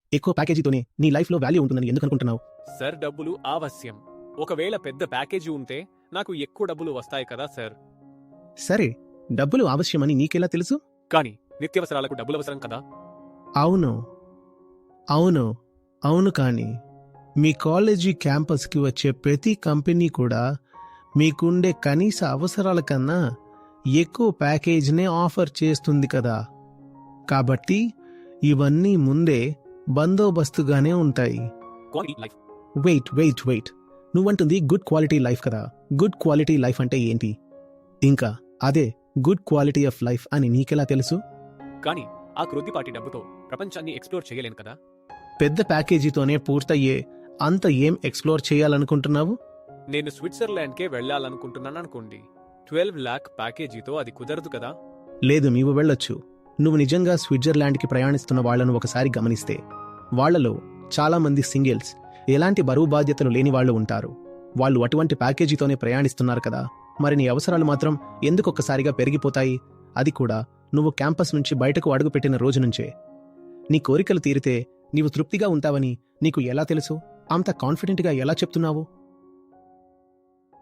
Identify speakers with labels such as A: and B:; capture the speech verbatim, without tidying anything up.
A: ఎక్కువ ప్యాకేజీతోనే నీ లైఫ్లో వాల్యూ ఉంటుందని ఎందుకు అనుకుంటున్నావు?
B: సార్, డబ్బులు ఆవశ్యం. ఒకవేళ పెద్ద ప్యాకేజీ ఉంటే నాకు ఎక్కువ డబ్బులు వస్తాయి కదా సార్.
A: సరే, డబ్బులు అవశ్యమని నీకెలా తెలుసు?
B: కానీ నిత్యావసరాలకు డబ్బులు అవసరం కదా.
A: అవును అవును అవును కానీ మీ కాలేజీ క్యాంపస్కి వచ్చే ప్రతి కంపెనీ కూడా మీకుండే కనీస అవసరాల కన్నా ఎక్కువ ప్యాకేజీనే ఆఫర్ చేస్తుంది కదా. కాబట్టి ఇవన్నీ ముందే బందోబస్తుగానే ఉంటాయి.
B: Quality life.
A: Wait wait wait నువ్వంటుంది గుడ్ క్వాలిటీ లైఫ్ కదా. గుడ్ క్వాలిటీ లైఫ్ అంటే ఏంటి? ఇంకా అదే గుడ్ క్వాలిటీ ఆఫ్ లైఫ్ అని నీకెలా తెలుసు?
B: కానీ ఆ క్రొద్దిపాటి డబ్బుతో ప్రపంచాన్ని ఎక్స్ప్లోర్ చేయలేను కదా.
A: పెద్ద ప్యాకేజీతోనే పూర్తయ్యే అంత ఏం ఎక్స్ప్లోర్ చేయాలనుకుంటున్నావు?
B: నేను స్విట్జర్లాండ్కే వెళ్ళాలనుకుంటున్నాను అనుకోండి. ట్వెల్వ్ లాక్ ప్యాకేజీతో అది కుదరదు కదా.
A: లేదు, నీవు వెళ్ళొచ్చు. నువ్వు నిజంగా స్విట్జర్లాండ్కి ప్రయాణిస్తున్న వాళ్లను ఒకసారి గమనిస్తే వాళ్లలో చాలా మంది సింగిల్స్, ఎలాంటి బరువు బాధ్యతలు లేని వాళ్ళు ఉంటారు. వాళ్ళు అటువంటి ప్యాకేజీతోనే ప్రయాణిస్తున్నారు కదా. మరి నీ అవసరాలు మాత్రం ఎందుకు ఒక్కసారిగా పెరిగిపోతాయి? అది కూడా నువ్వు క్యాంపస్ నుంచి బయటకు అడుగుపెట్టిన రోజు నుంచే. నీ కోరికలు తీరితే నీవు తృప్తిగా ఉంటావని నీకు ఎలా తెలుసు? అంత కాన్ఫిడెంట్గా ఎలా చెప్తున్నావు?